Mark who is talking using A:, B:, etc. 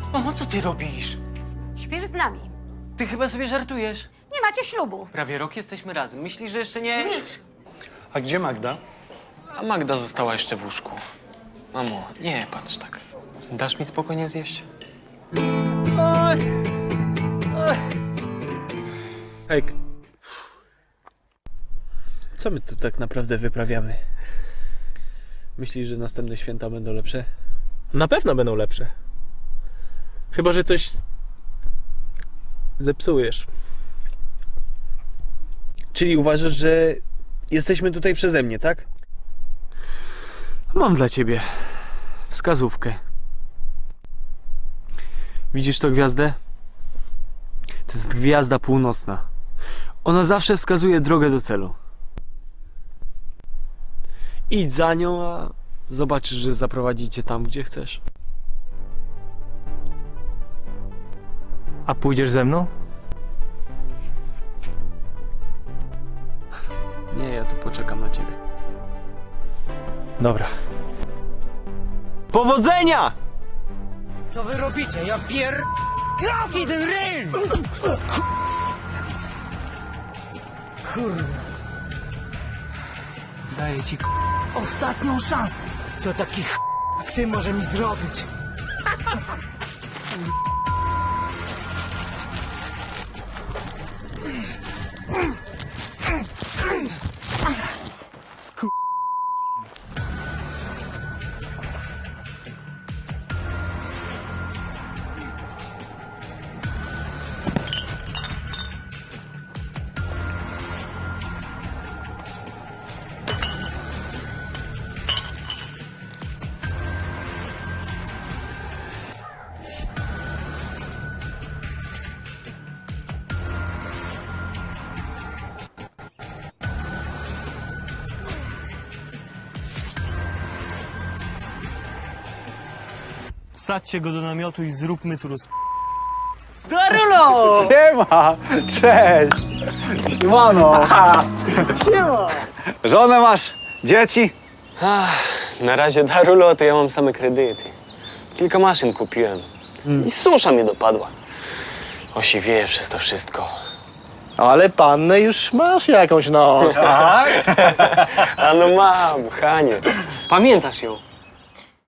A: Mamo, co ty robisz?
B: Śpisz z nami.
A: Ty chyba sobie żartujesz.
B: Nie macie ślubu.
A: Prawie rok jesteśmy razem. Myślisz, że jeszcze nie...
C: A gdzie Magda?
D: A Magda została jeszcze w łóżku. Mamo, nie patrz tak. Dasz mi spokojnie zjeść?
E: Hejk. Co my tu tak naprawdę wyprawiamy? Myślisz, że następne święta będą lepsze?
F: Na pewno będą lepsze. Chyba że coś zepsujesz.
E: Czyli uważasz, że jesteśmy tutaj przeze mnie, tak? Mam dla ciebie wskazówkę. Widzisz tę gwiazdę? To jest gwiazda północna. Ona zawsze wskazuje drogę do celu. Idź za nią, a zobaczysz, że zaprowadzi cię tam, gdzie chcesz.
F: A pójdziesz ze mną?
E: Nie, ja tu poczekam na ciebie.
F: Dobra.
E: Powodzenia!
A: Co wy robicie? Ja Kroki ten ryj! Kurde. Daję ci ostatnią szansę. To taki jak ty może mi zrobić.
G: Wsadźcie go do namiotu i zróbmy tu
A: Darulo!
C: Siema! Cześć! Siemano! Siema! Żonę masz? Dzieci?
D: Na razie, Darulo, to ja mam same kredyty. Kilka maszyn kupiłem. I susza mnie dopadła. Osiwieję przez to wszystko.
G: Ale pannę już masz jakąś, no.
D: A no mam, Hanie. Pamiętasz ją?